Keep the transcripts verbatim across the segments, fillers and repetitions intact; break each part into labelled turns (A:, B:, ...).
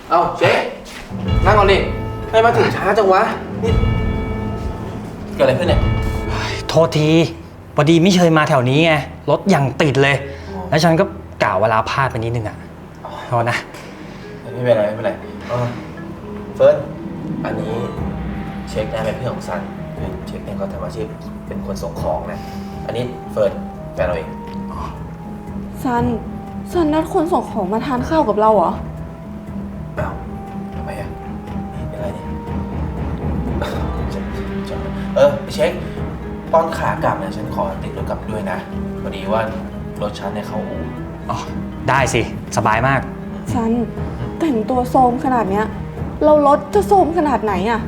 A: เอ้าเช็คนั่งก่อนดิให้มาถึงช้าจังวะนี่เกิดอะไรขึ้นเนี่ย
B: โทษทีพอดีไม่เคยมาแถวนี้ไงรถอย่างติดเลย แล้วฉันก็กล่าวเวลาพลาดไปนิดนึงอ่ะโทษนะ
A: ไม่เป็นไรไม่เป็นไรเฟิร์สอันนี้เช็คนะเป็นเพื่อนของซันเช็คเนี่ยเขาทำอาชีพเป็นคนส่งของนะอันนี้เฟิร์สแฟนเราเอง
C: ซันซันนัดคนส่งของมาทานข้าวกับเราเหรอ
A: อ้าวทำไมอ่ะนี่เป็นไรเนี่ยเออเช็คตอนขากลับเนี่ยฉันขอติดรถกลับด้วยนะพอดีว่ารถฉันเนี่ยเข้าอู่
B: อ๋อได้สิสบายมาก
C: ซันแต่งตัวโซมขนาดเนี้ยเรารถจะโซมขนาดไหนอ่ะ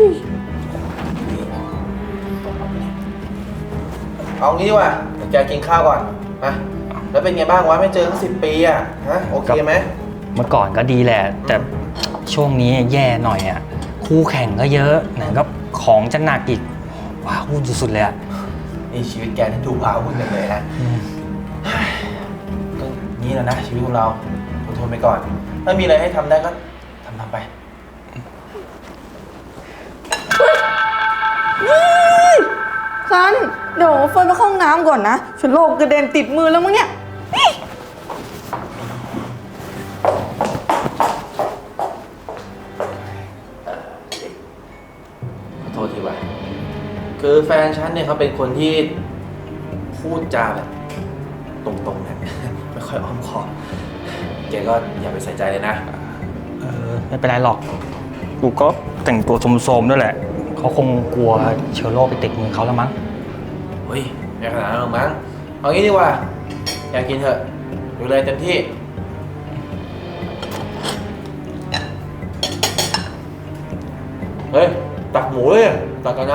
A: เอางี้ดีกว่าเดี๋ยวแกกินข้าวก่อนนะแล้วเป็นไงบ้างวะไม่เจอตั้งสิบปีอ่ะฮะโอเคไหม
B: เมื่อก่อนก็ดีแหละแต่ช่วงนี้แย่หน่อยอ่ะคู่แข่งก็เยอะไหนก็ของจะหนักอีกว้าวุ่นสุดๆเลยอ่ะ
A: นี่ชีวิตแกที่ดูว้าวุ่นกันเลยนะก็นี่แหละนะชีวิตของเราทนไปก่อนถ้ามีอะไรให้ทำได้ก็ทำทำไป
C: ซันเดี๋ยวเฟิร์นไปเข้าห้องน้ำก่อนนะฉันโลกกระเด็นติดมือแล้วมั้งเนี่ย
A: ขอโทษทีว่ะคือแฟนฉันเนี่ยเขาเป็นคนที่พูดจาแบบตรงๆนะไม่ค่อยอ้อมค้อมแกก็อย่าไปใส่ใจเลยนะ
B: เออไม่เป็นไรหรอกกูก็แต่งตัวโสมๆด้วยแหละเขาคงกลัวเชื้อโรคไปติดมือเขาแล้วมั้ง
A: เฮ้ยไม่ขนาดนั้นหรอกมั้งเอางี้ดีกว่าอยากกินเถอะดูเลยเต็มที่เฮ้ยตักหมูเลยตักกับน้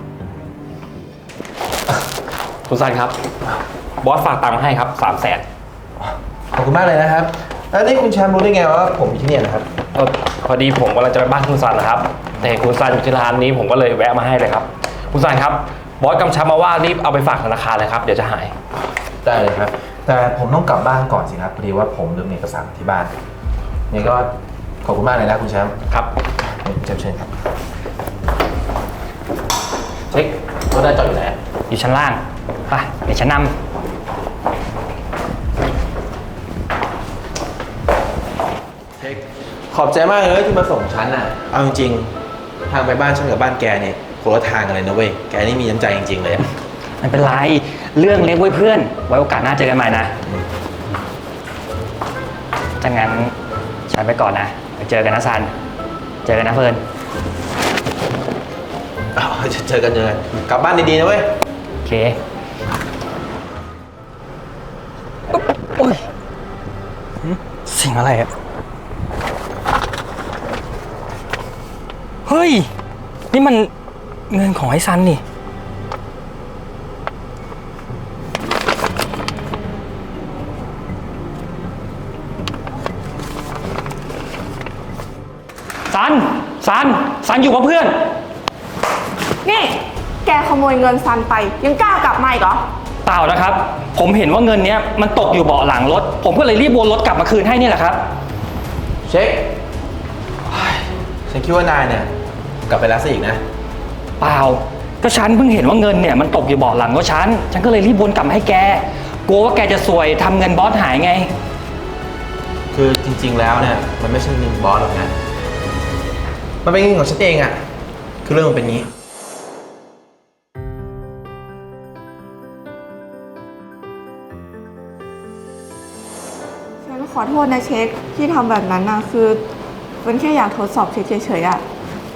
D: ำคุณซันครับบอสฝากตังค์มาให้ครับสามแสน
A: ขอบคุณมากเลยนะครับแล้วนี่คุณแชมป์รู้ได้ไงว่าผมอยู่ที่นี่นะครับ
D: พอดีผมกำลังจะไปบ้านคุณซันนะครับแต่คุณซันอยู่ที่ร้านนี้ผมก็เลยแวะมาให้เลยครับคุณซันครับบอสกำชับมาว่ารีบเอาไปฝากธนาคารเลยครับเดี๋ยวจะหาย
A: ได้เลยครับแต่ผมต้องกลับบ้านก่อนสิครับพอดีว่าผมลืมเอกสารที่บ้านนี่ก็ขอบคุณมากเลยนะคุณแชมป์
D: ครับ
A: เชิญเชิญครับเช็ครถได้จอดอยู่ไหน
B: อยู่ชั้นล่างไปเดี๋ยวฉันนำ
A: เช็คขอบใจมากเลยที่มาส่งฉันน่ะเอาจริงๆทางไปบ้านฉันกับบ้านแกเนี่ยคนละทางกันเลยนะเว้ยแกนี่มีน้ำใจจริงๆเลย
B: ไม่เป็นไรเรื่องเล็กไว้เพื่อนไว้โอกาสหน้าเจอกันใหม่นะถ้างั้นฉันไปก่อนนะไปเจอกันนะซันเจอกันนะเฟิร์น
A: เจอกันเจอกันกลับบ้านดีๆนะเว้ย
B: โอเคโอ้ยเสียงอะไรอะเฮ้ยนี่มันเงินของไอ้ซันนี่ซันซันซันอยู่กับเพื่อน
C: นี่แกขโมยเงินซันไปยังกล้ากลับมาอีกเหรอ
B: เปล่านะครับผมเห็นว่าเงินนี้มันตกอยู่เบาะหลังรถผมก็เลยรีบวนรถกลับมาคืนให้นี่แหละครับ
A: เช็คฉันคิดว่านายเนี่ยกลับไปแล้วซะอีกนะ
B: เปล่าก็ฉันเพิ่งเห็นว่าเงินเนี่ยมันตกอยู่เบาะหลังรถฉันฉันก็เลยรีบวนกลับมาให้แกกลัวว่าแกจะซวยทำเงินบอสหายไง
A: คือจริงๆแล้วเนี่ยมันไม่ใช่เงินบอสหรอกนะมันเป็นเงินของฉันเองอะคือเรื่องมันเป็นงี้
C: ฉันขอโทษนะเช็คที่ทำแบบนั้นนะคือมันแค่อยากทดสอบเฉยๆอะ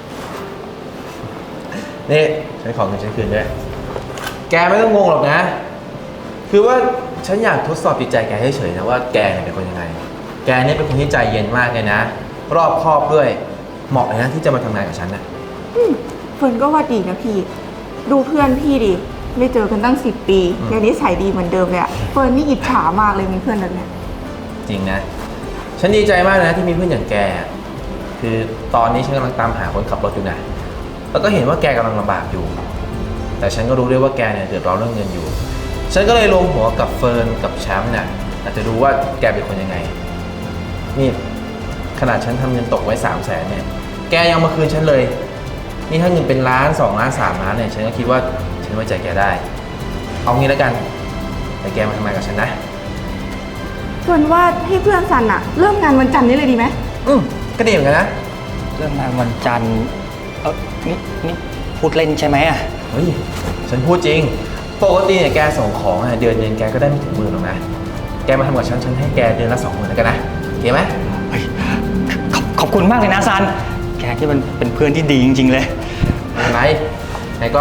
A: นี่ฉันขอเงินฉันคืนด้วยแกไม่ต้องงงหรอกนะคือว่าฉันอยากทดสอบจิตใจแกเฉยๆนะว่าแกเป็นคนยังไงแกเนี่ยเป็นคนที่ใจเย็นมากเลยนะรอบคอบด้วยเหมาะเลยนะที่จะมาทำงานกับฉันนะ
C: เฟิร์นก็ว่าดีนะพี่ดูเพื่อนพี่ดิไม่เจอกันตั้งสิบปียังนิสัยดีเหมือนเดิมเลยอะเฟิร์นนี่อิจฉามากเลยมีเพื่อนแบบนี้
A: จริงนะฉันดีใจมากนะที่มีเพื่อนอย่างแกคือตอนนี้ฉันกำลังตามหาคนขับรถอยู่นะแล้วก็เห็นว่าแกกำลังลำบากอยู่แต่ฉันก็รู้ด้วยว่าแกเนี่ยเดือดร้อนเรื่องเงินอยู่ฉันก็เลยรวมหัวกับเฟิร์นกับแชมป์เนี่ยอาจจะดูว่าแกเป็นคนยังไงนี่ขนาดฉันทำเงินตกไว้สามแสนเนี่ย แกยังมาคืนฉันเลย นี่ถ้าเงินเป็นล้านสองล้านสามล้านเนี่ยฉันก็คิดว่าฉันไว้ใจแกได้ เอางี้แล้วกันแต่แกมาทำงานกับฉันนะ
C: เฟิร์นว่าให้เพื่อนซันอะเริ่มงานวันจันทร์นี้เลยดีไหม
A: อืมก็ดีเหมือนกันนะ
B: เรื่องงานวันจันทร์เออนี่นี่พูดเล่นใช่ไหมอ่ะ
A: เฮ้ย ฉันพูดจริง ปกติเนี่ยแกส่งของอะเดือนหนึงแกก็ได้ไม่ถึงหมื่นหรอกนะ แกมาทำกับฉัน ฉันให้แกเดือนละสองหมื่นแล้วกันนะโอเคไหม
B: เฮ้ยขอบขอบคุณมากเลยนะซัน แกที่มันเป็นเพื่อนที่ดีจริงๆเลย
A: ไม่เป็นไรไหนก็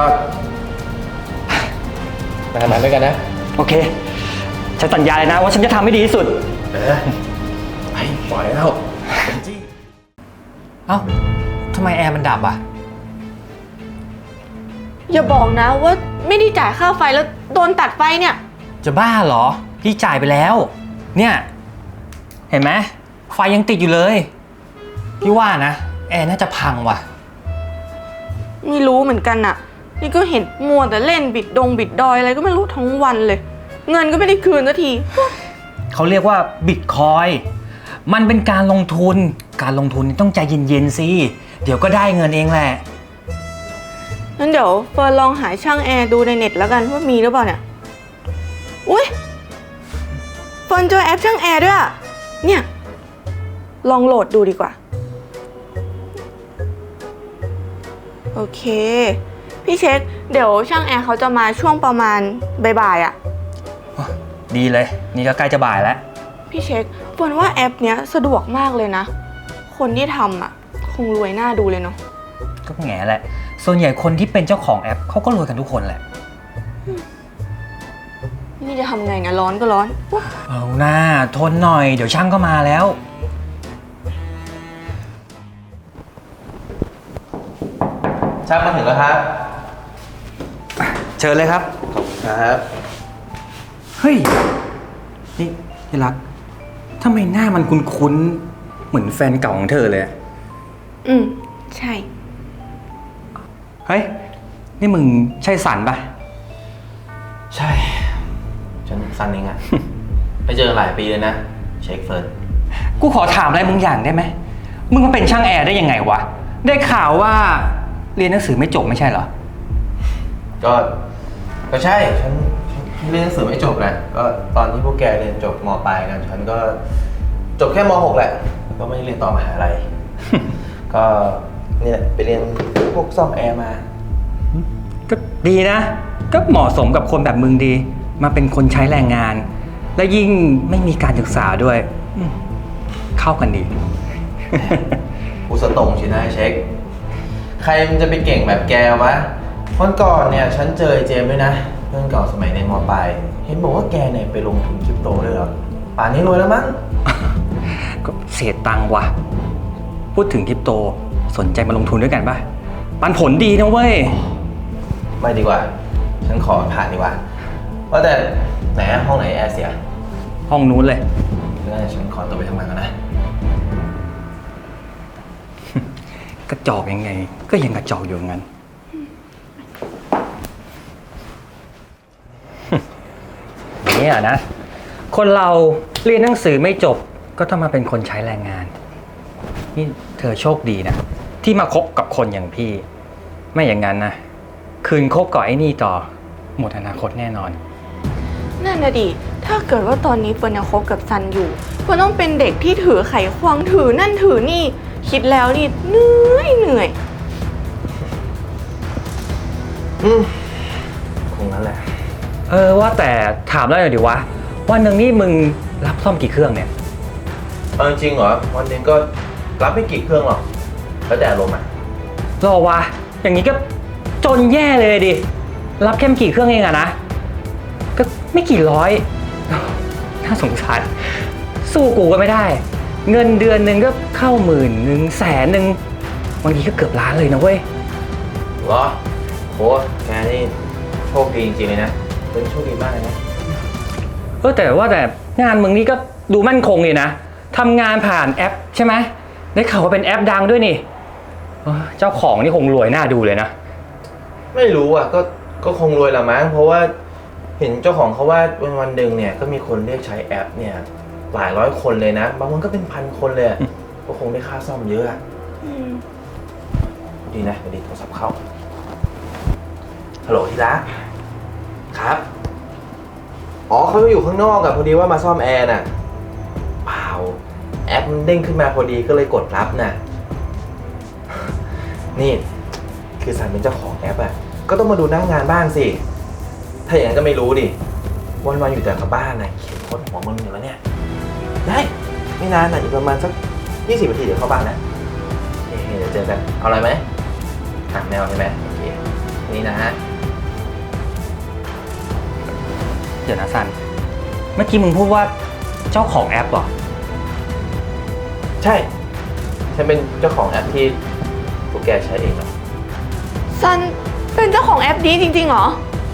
A: มาทำงานด้วยกันนะ
B: โอเค ฉันสัญญาเลยนะว่าฉันจะทำให้ดีที่สุด
A: เออไปปล่อยแล้วจี้
B: เอ้าทำไมแอร์มันดับอ่ะ
C: อย่าบอกนะว่าไม่ได้จ่ายค่าไฟแล้วโดนตัดไฟเนี่ย
B: จะบ้าเหรอ พี่จ่ายไปแล้ว เนี่ย เห็นไหมไฟยังติดอยู่เลย พี่ว่านะ แอร์น่าจะพังว่ะ
C: ไม่รู้เหมือนกันน่ะ นี่ก็เห็นมัวแต่เล่นบิดดงบิดดอยอะไรก็ไม่รู้ทั้งวันเลย เงินก็ไม่ได้คืนสักที
B: เขาเรียกว่าบิตคอยน์มันเป็นการลงทุน การลงทุนต้องใจเย็นๆสิ เดี๋ยวก็ได้เงินเองแหละ
C: งั้นเดี๋ยวเฟิร์นลองหาช่างแอร์ดูในเน็ตแล้วกันว่ามีหรือเปล่าเนี่ย อุ้ยเฟิร์นเจอแอปช่างแอร์ด้วยอะเนี่ย ลองโหลดดูดีกว่า โอเค พี่เช็ค เดี๋ยวช่างแอร์เขาจะมาช่วงประมาณบ่ายๆอะ
B: ดีเลย นี่ก็ใกล้จะบ่ายแล้ว
C: พี่เช็คเฟิร์นว่าแอปเนี้ยสะดวกมากเลยนะ คนที่ทำอะคงรวยหน้าดูเลยเนาะ
B: ก็แง่แหละ ส่วนใหญ่คนที่เป็นเจ้าของแอปเขาก็รวยกันทุกคนแหละ
C: นี่จะทำไงนะร้อนก็ร้อนอุ๊ย
B: เอาหน้าทนหน่อย เดี๋ยวช่างก็มาแล้ว
A: ช่างมาถึงแล้วครับ
B: เชิญเลยครับ
A: ครับ
B: เฮ้ย นี่ที่รักทำไมหน้ามันคุ้นๆ เหมือนแฟนเก่าของเธอเลยอะ
C: อืม ใช่
B: เฮ้ย นี่มึงใช่สันปะ
A: ใช่ ฉันซันเองอะ ไม่เจอหลายปีเลยนะ เช็คเฟิร์น
B: กูขอถามอะไรมึงอย่างได้ไหม มึงมาเป็นช่างแอร์ได้ยังไงวะ ได้ข่าวว่าเรียนหนังสือไม่จบไม่ใช่เหรอ
A: ก็ ก็ใช่ ฉันฉันเรียนหนังสือไม่จบแหละ ก็ตอนที่พวกแกเรียนจบม.ปลายกัน ฉันก็จบแค่ม.หกแหละ ก็ไม่ได้เรียนต่อมหาลัย ก็เนี่ยไปเรียนพวกซ่อมแอร์มา
B: ก็ดีนะ ก็เหมาะสมกับคนแบบมึงดี มาเป็นคนใช้แรงงาน และยิ่งไม่มีการศึกษาด้วยอืมเข้ากันดี
A: กูสตรงชินะไอ้เช็ค ใครมันจะไปเก่งแบบแกวะวันก่อนเนี่ยฉันเจอไอ้เจมส์ด้วยนะ เพื่อนเก่าสมัยในมปลาย เห็นบอกว่าแกเนี่ยไปลงทุนคริปโตด้วยเหรอ ป่านนี้รวยแล้วมั้ง
B: ก็เสียตังค์ว่ะ พูดถึงคริปโตสนใจมาลงทุนด้วยกันป่ะ ปันผลดีนะเว้ย
A: ไม่ดีกว่า ฉันขอผ่านดีกว่า ว่าแต่ไหนอะห้องไหนแอร์เสีย
B: ห้องนู้นเลย
A: งั้นฉันขอตัวไปทำงานก่อนนะ
B: กระจอกยังไง ก็ยังกระจอกอยู่งั้น เนี่ยนะ คนเราเรียนหนังสือไม่จบก็ต้องมาเป็นคนใช้แรงงาน นี่เธอโชคดีนะ ที่มาคบกับคนอย่างพี่ ไม่อย่างนั้นนะ คืนคบกับไอ้นี่ต่อ หมดอนาคตแน่นอน
C: นั่นน่ะดิ ถ้าเกิดว่าตอนนี้เฟิร์นยังคบกับซันอยู่เฟิร์นต้องเป็นเด็กที่ถือไขควงถือนั่นถือนี่ คิดแล้วนี่เหนื่อยเหนื่อย
A: อืมคงนั้นแหละ
B: เออว่าแต่ถามแล้วหน่อยดิวะวันหนึ่งนี่มึงรับซ่อมกี่เครื่องเนี่ย
A: เอาจริงๆเหรอ วันหนึงก็รับไม่กี่เครื่องหรอก แล้วแต่อารมณ์อะ
B: รอวะ อย่างนี้ก็จนแย่เลยดิ รับแค่ไม่กี่เครื่องเองอะนะ ก็ไม่กี่ร้อย น่าสงสาร สู้กูก็ไม่ได้ เงินเดือนหนึ่งก็เข้าหมื่นหนึ่งแสนหนึ่งบางทีก็เกือบล้านเลยนะเว้ย
A: เหรอโหแกนี่โชคดีจริงๆเลยนะ เป็นโชคดีมากเลยนะ
B: เออแต่ว่าแต่งานมึงนี่ก็ดูมั่นคงเลยนะทำงานผ่านแอปใช่ไหมได้ข่าวว่าเป็นแอปดังด้วยนี่เออเจ้าของนี่คงรวยน่าดูเลยนะ
A: ไม่รู้อ่ะ ก็ก็คงรวยละมั้ง เพราะว่าเห็นเจ้าของเขาว่าวันวันหนึ่งเนี่ยก็มีคนเรียกใช้แอปเนี่ยหลายร้อยคนเลยนะ บางวันก็เป็นพันคนเลยอะก็คงได้ค่าซ่อมเยอะอะ
C: อืม
A: ดีนะดีโทรศัพท์เข้า ฮัลโหลที่รักครับ อ๋อเขาอยู่ข้างนอกอะพอดีว่ามาซ่อมแอร์น่ะเปล่าแอปมันเด้งขึ้นมาพอดีก็เลยกดรับน่ะ นี่ คือสันเป็นเจ้าของแอปอะก็ต้องมาดูหน้างานบ้างสิ ถ้าอย่างนั้นก็ไม่รู้ดิ วันๆอยู่แต่กับบ้านน่ะเขียนโคตรหัวมึนอยู่แล้วเนี่ย ได้ ไม่นานน่ะอีกประมาณสักยี่สิบนาทีเดี๋ยวเข้าบ้านนะโอเคเดี๋ยวเจอกัน เอาอะไรไหมถามแมวใช่ไหมโอเค นี่นะฮะ
B: เดี๋ยวนะซัน เมื่อกี้มึงพูดว่าเจ้าของแอปเหรอ
A: ใช่ ฉันเป็นเจ้าของแอปที่พวกแกใช้เองเหรอ
C: ซันเป็นเจ้าของแอปนี้จริงๆเหรอ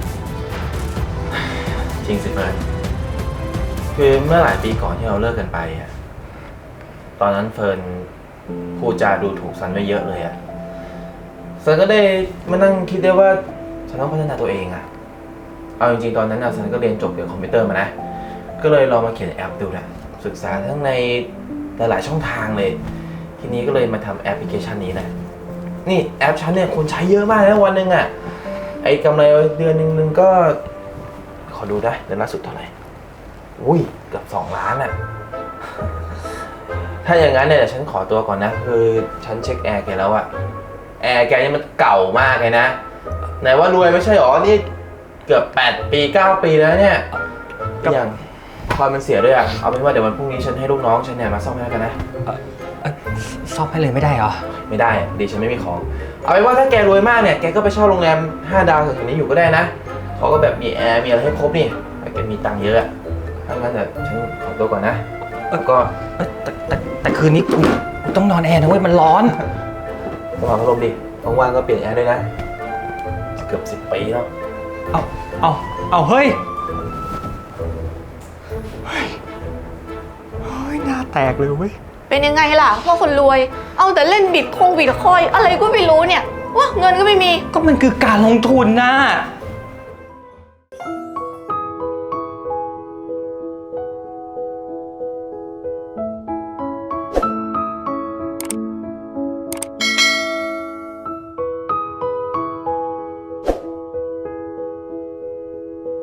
A: จริงสิเฟิร์นคือเมื่อหลายปีก่อนที่เราเลิกกันไปอะตอนนั้นเฟิร์นพูดจาดูถูกซันไว้เยอะเลยอะซันก็ได้มานั่งคิดได้ว่าฉันต้องพัฒนาตัวเองอะเอาจริงๆตอนนั้นอะซันก็เรียนจบเกี่ยวกับคอมพิวเตอร์มานะ ก็เลยลองมาเขียนแอปดูนะศึกษาทั้งในหลายๆช่องทางเลย ทีนี้ก็เลยมาทำแอปพลิเคชันนี้แหละ นี่แอปฉันเนี่ยคนใช้เยอะมากนะวันหนึ่งอะไอ้กำไรเดือนหนึ่งนึงก็ ขอดูได้เดือนล่าสุดเท่าไหร่ อุ้ยเกือบสองล้านอะ ถ้าอย่างนั้นเนี่ยเดี๋ยวฉันขอตัวก่อนนะ คือฉันเช็คแอร์แกแล้วอะแอร์แกนี่มันเก่ามากเลยนะ ไหนว่ารวยไม่ใช่หรอ นี่เกือบแปดปีเก้าปีแล้วเนี่ย
B: ครับ
A: อย่างคอยมันเสียด้วยอะเอาเป็นว่าเดี๋ยววันพรุ่งนี้ฉันให้ลูกน้องฉันเนี่ยมาซ่อมให้แล้วกันนะ
B: เอ่อเอ่อซ่อมให้เลยไม่ได้เหรอ
A: ไม่ได้อะดีฉันไม่มีของ เอาเป็นว่าถ้าแกรวยมากเนี่ย แกก็ไปเช่าโรงแรมห้าดาวแถวๆนี้อยู่ก็ได้นะ เขาก็แบบมีแอร์ มีอะไรให้ครบนี่แต่แกมีตังค์เยอะอะถ้างั้นเดี๋ยวฉันขอตัวก่อนนะ แล้วก็
B: เอ้ยแต่แต่แต่คืนนี้กูกูต้องนอนแอร์นะเว้ย มันร้อน
A: สมองพัดลมดิว่างๆก็เปลี่ยนแอร์ด้วยนะ เกือบสิบปีแล้ว
B: เอาเอาเอาเฮ้ย เฮ้ย เฮ้ยหน้าแตกเลยเว้ย
C: เป็นยังไงล่ะพวกคนรวย เอาแต่เล่นบิตคงบิตคอยอะไรก็ไม่รู้เนี่ยว่าเงินก็ไม่มี
B: ก็มันคือการลงทุนนะ